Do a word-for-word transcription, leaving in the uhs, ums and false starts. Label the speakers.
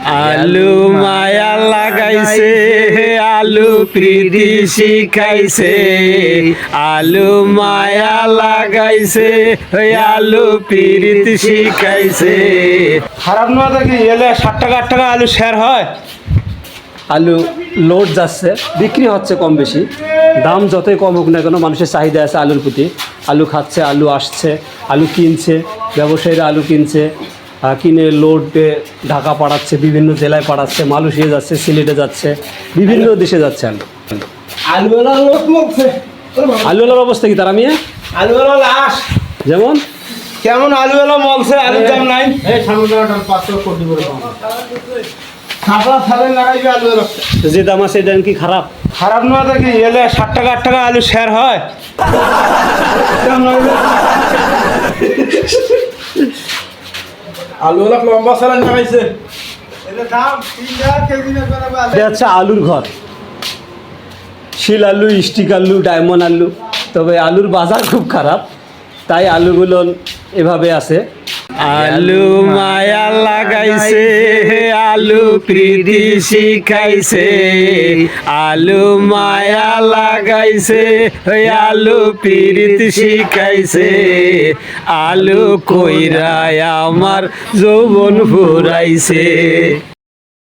Speaker 1: আলু মায়া লাগাইছে, আলু প্রীতি শিখাইছে, আলু মায়া লাগাইছে, ওই আলু প্রীতি শিখাইছে।
Speaker 2: খারাপ না দেখি এলে ষাট টাকা আট টাকা আলু শেয়ার হয়।
Speaker 3: আলু লোড যাচ্ছে, বিক্রি হচ্ছে কম বেশি, দাম যতই কম হোক না কেন মানুষের চাহিদা আছে আলুর প্রতি। আলু খাচ্ছে, আলু আসছে, আলু কিনছে, ব্যবসায়ীরা আলু কিনছে, আহ, কিনে লোডে ঢাকা পাঠাচ্ছে, বিভিন্ন জেলায় পাঠাচ্ছে, মালয়েশিয়া যাচ্ছে, সিলেটে যাচ্ছে, বিভিন্ন দেশে যাচ্ছে আলু।
Speaker 2: আলুওয়ালা লোক মরছে,
Speaker 3: আলুওয়ালার অবস্থা কি তারা মিয়া?
Speaker 2: আলুওয়ালা লাশ
Speaker 3: যেমন
Speaker 2: কেমন আলুওয়ালা মলছে, আলুর দাম নাই। খাবার সালে লাগাইবে আলুওয়ালা।
Speaker 3: যে দাম আছে এটা কি খারাপ?
Speaker 2: খারাপ না দেখি এলে ষাট টাকা আট টাকা আলু শেয়ার হয়। আলুওয়ালা লম্বা সালান লাগাইছে, এলে দাম তিন টাকা কেজি না করে আলু।
Speaker 3: এটা হচ্ছে আলুর ঘর, শিল আলু, স্টিক আলু, ডায়মন্ড আলু। তবে আলুর বাজার খুব খারাপ, তাই আলুগুলো এভাবে আছে।
Speaker 1: আলু মায়া লাগাইছে, আলু প্রীতি শিখাইছে, আলু মায়া লাগাইছে, ওই আলু প্রীতি শিখাইছে, আলু কইরা আমার যৌবন ফুরাইছে।